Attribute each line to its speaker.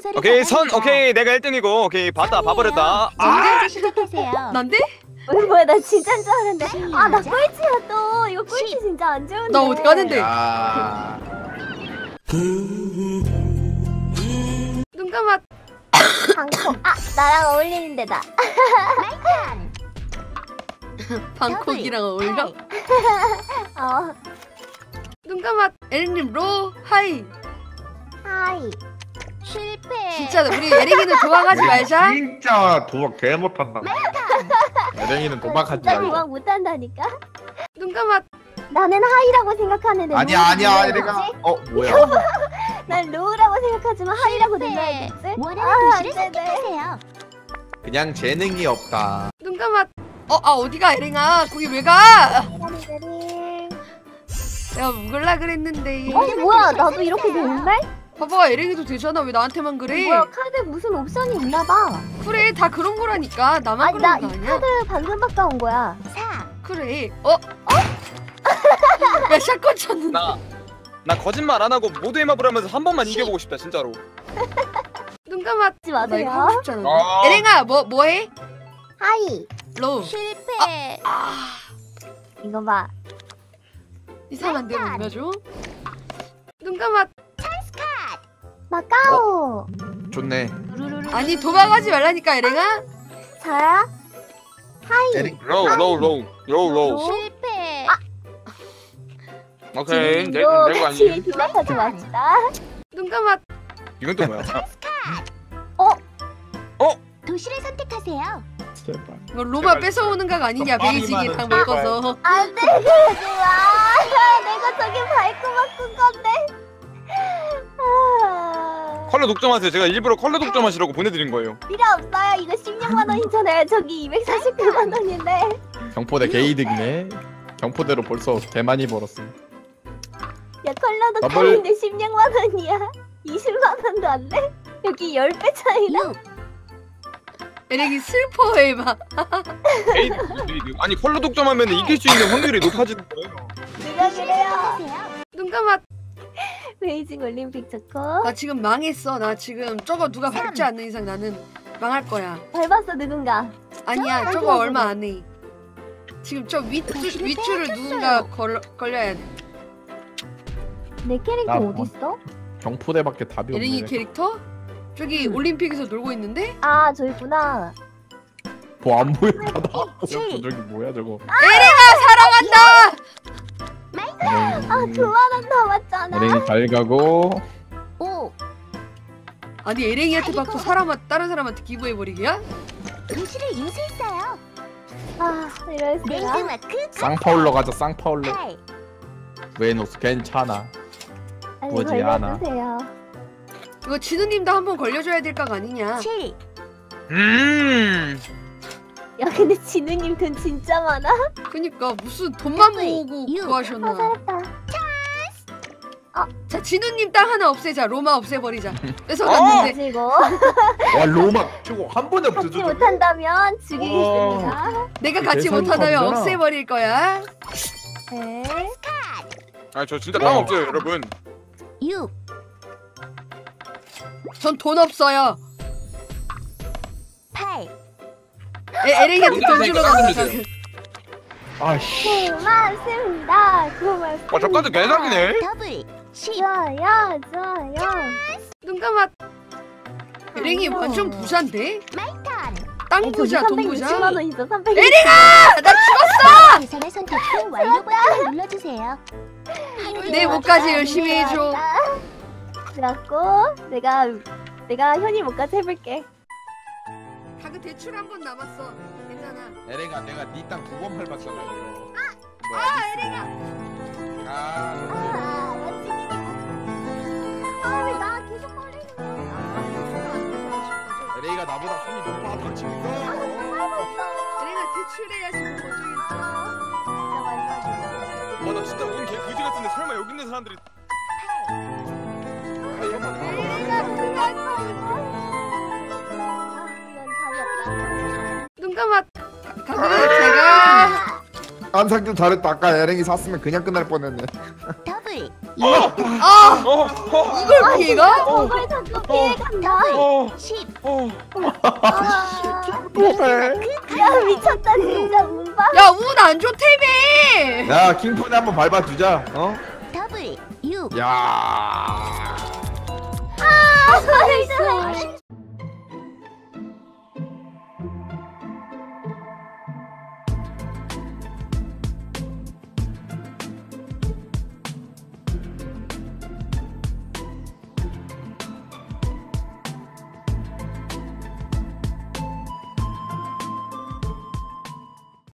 Speaker 1: 순서를
Speaker 2: 오케이 선
Speaker 1: 정합니다.
Speaker 2: 오케이 내가 1등이고 오케이 봤다 봐버렸다.
Speaker 1: 먼저 시작하세요.
Speaker 3: 난데?
Speaker 4: 뭐야 나 진짜인 줄 알았는데. 아 나
Speaker 1: 시작.
Speaker 4: 꼴찌야 또. 이거 꼴찌 진짜 안 좋은데.
Speaker 3: 나 어디 가는데?
Speaker 5: 야.
Speaker 3: 눈 감아.
Speaker 4: 방콕. 아 나랑 어울리는 데다.
Speaker 3: 방콕이랑 어울려?
Speaker 4: 어.
Speaker 3: 눈 감아. 에릭님 로 하이.
Speaker 4: 하이.
Speaker 1: 실패.
Speaker 3: 진짜 우리 에릭이는 도망가지 말자.
Speaker 5: 진짜 도박 개 못한다. 에랭이는 도박하지
Speaker 4: 진짜
Speaker 5: 말고.
Speaker 4: 도망 못한다니까.
Speaker 3: 눈 감아.
Speaker 4: 나는 하이라고 생각하는데.
Speaker 5: 아니야
Speaker 4: 로우를
Speaker 5: 아니야
Speaker 4: 눌러야겠지?
Speaker 5: 에랭아. 뭐야?
Speaker 4: 난 로우라고 생각하지만 하이라고
Speaker 1: 실패.
Speaker 4: 눌러야겠지?
Speaker 1: 원하는 도시를
Speaker 4: 안 되네.
Speaker 1: 선택하세요.
Speaker 5: 그냥 재능이 없다.
Speaker 3: 눈 감아. 어디가 에릭아? 거기 왜 가?
Speaker 4: 짜리짜리.
Speaker 3: 내가 묵을라 그랬는데.
Speaker 4: 뭐야 나도 이렇게 되는데?
Speaker 3: 봐봐 에릭이도 되잖아. 왜 나한테만 그래?
Speaker 4: 뭐야 카드 무슨 옵션이 있나봐.
Speaker 3: 그래 다 그런 거라니까. 나만
Speaker 4: 아니 나
Speaker 3: 그런 거
Speaker 4: 이
Speaker 3: 아니야?
Speaker 4: 카드 방금 바꿔온 거야.
Speaker 1: 4.
Speaker 3: 그래. 야 샷건 쳤는데.
Speaker 2: 나 거짓말 안 하고 모두의 마블 하면서 한 번만 이겨보고 싶다 진짜로.
Speaker 3: 눈 감아.
Speaker 4: 하지
Speaker 3: 나 이거
Speaker 4: 마세요.
Speaker 3: 하고 싶잖아.
Speaker 2: 아.
Speaker 3: 에릭아 뭐해?
Speaker 4: 하이.
Speaker 3: 로우.
Speaker 1: 실패.
Speaker 4: 이거 봐.
Speaker 3: 이상한 데로 옮겨줘. 눈 감아.
Speaker 4: 마카오.
Speaker 5: 좋네.
Speaker 3: 아니 도망가지 말라니까 에릭아.
Speaker 4: 자야. 하이.
Speaker 5: 에릭.
Speaker 2: 로우.
Speaker 1: 실패.
Speaker 2: 오케이
Speaker 4: 지금도
Speaker 2: 내가
Speaker 4: 같이
Speaker 2: 아니.
Speaker 4: 도망가지 맙시다.
Speaker 3: 눈 감아.
Speaker 2: 이건 또 뭐야?
Speaker 1: 도시를 선택하세요.
Speaker 5: 제발.
Speaker 3: 뭐 로마 뺏어오는 각 아니냐 베이징에 당 먹어서.
Speaker 4: 안돼 그러지 마. 내가 저기 밟고 바꾼 건데. 아,
Speaker 2: 컬러 독점하세요. 제가 일부러 컬러 독점하시라고 보내드린 거예요.
Speaker 4: 필요 없어요. 이거 16만 원이잖아요. 저기 249만 원인데.
Speaker 5: 경포대 개이득이네. 경포대로 벌써 개 많이 벌었어.
Speaker 4: 야 컬러도
Speaker 5: 더블.
Speaker 4: 칼인데 16만 원이야. 20만 원도 안 돼? 여기 10배 차이나?
Speaker 1: 6.
Speaker 3: 에릭이 슬퍼해 막.
Speaker 2: 아니 컬러 독점하면 이길 수 있는 확률이 높아지는 거예요.
Speaker 4: 누가 그래요?
Speaker 1: 선택하세요.
Speaker 3: 눈 감아.
Speaker 4: 베이징 올림픽 좋고.
Speaker 3: 나 지금 망했어. 나 지금 저거 누가 밟지 않는 이상 나는 망할 거야.
Speaker 4: 밟았어 누군가.
Speaker 3: 아니야 저거 얼마 안 해. 지금 저 윗줄을 누군가 걸려야 돼.
Speaker 4: 내 캐릭터
Speaker 5: 나
Speaker 4: 어딨어?
Speaker 5: 경포대밖에 답이
Speaker 3: 에릭이
Speaker 5: 없네.
Speaker 3: 캐릭터? 저기 올림픽에서 놀고 있는데?
Speaker 4: 아 저 있구나.
Speaker 5: 뭐안 보여 바다. 저기 뭐야 저거.
Speaker 3: 사랑한다!
Speaker 4: 아 9만 원 남았잖아.
Speaker 5: 에랭이 잘 가고.
Speaker 1: 5.
Speaker 3: 아니 에릭이한테 받고 다른 사람한테 기부해버리기야?
Speaker 1: 도시를 인수했어요.
Speaker 4: 아 이럴 수가.
Speaker 1: 랜드마크
Speaker 5: 쌍파울러 가자 쌍파울러.
Speaker 1: 8.
Speaker 5: 웨노스 괜찮아.
Speaker 4: 빨리
Speaker 5: 뭐지, 하나.
Speaker 4: 걸려주세요.
Speaker 3: 이거 진우님도 한번 걸려줘야 될 각 아니냐?
Speaker 1: 7.
Speaker 4: 야 근데 진우님 돈 진짜 많아.
Speaker 3: 그니까 무슨 돈만
Speaker 1: 더블,
Speaker 3: 모으고
Speaker 1: 유.
Speaker 3: 구하셨나.
Speaker 4: 아 잘했다.
Speaker 3: 자 진우님 땅 하나 없애자. 로마 없애버리자. 뺏어갔는데.
Speaker 4: 가지고
Speaker 5: 와 로마 저거 한 번에
Speaker 4: 같이
Speaker 5: 없어져.
Speaker 4: 못한다면 죽이겠습니다.
Speaker 3: 내가 같이
Speaker 5: 대상이
Speaker 3: 못하다면
Speaker 5: 다르잖아.
Speaker 3: 없애버릴 거야.
Speaker 4: 네.
Speaker 2: 아 저 진짜 땅 없어요 여러분.
Speaker 1: 6.
Speaker 3: 전 돈 없어요.
Speaker 1: 8.
Speaker 3: 에릭이한테 돈 주러 가자.
Speaker 5: 아씨.
Speaker 4: 고맙습니다. 고맙습니다.
Speaker 2: 저 카드 개사기네.
Speaker 1: 더블. 10.
Speaker 4: 좋아요 좋아요.
Speaker 3: 눈 감아. 에릭이 완전 부자인데?
Speaker 1: 마이턴.
Speaker 3: 땅 부자, 돈 부자.
Speaker 4: 360만 원 있어. 360만
Speaker 3: 에릭아! 나 죽었어!
Speaker 1: 계산을 선택 후 완료 버튼을 눌러주세요.
Speaker 3: 내 목까지 열심히 해줘.
Speaker 4: 그래갖고 내가 현이 목까지 해볼게.
Speaker 3: 가그 대출 한 번 남았어. 괜찮아.
Speaker 5: 에랭아 내가 네 땅 두 번 밟았잖아 이거.
Speaker 3: 에릭아!
Speaker 5: 아
Speaker 4: 아 멋지게. 아왜 나 계속 걸리는 거야?
Speaker 5: 에랭이가 나보다 손이 높아 더 지금.
Speaker 3: 에릭아 대출해야지 뭐 어쩌겠어.
Speaker 2: 와나 진짜 운 개 그지 같은데 설마 여기 있는 사람들이.
Speaker 3: 눈 감아. 가그 제가
Speaker 5: 안상 좀 잘했다. 아까 에랭이 샀으면 그냥 끝날 뻔했네.
Speaker 1: 더블.
Speaker 3: 아
Speaker 2: 어.
Speaker 3: 이걸 피해가?
Speaker 4: 저걸 자꾸 피해간다.
Speaker 2: 어.
Speaker 1: 10,
Speaker 4: 야 미쳤다 진짜 운바.
Speaker 3: 야 운 안 좋다며.
Speaker 5: 야 킹폰에 한번 밟아주자. 어?
Speaker 1: 더블 6,
Speaker 5: 야.
Speaker 4: 나이스.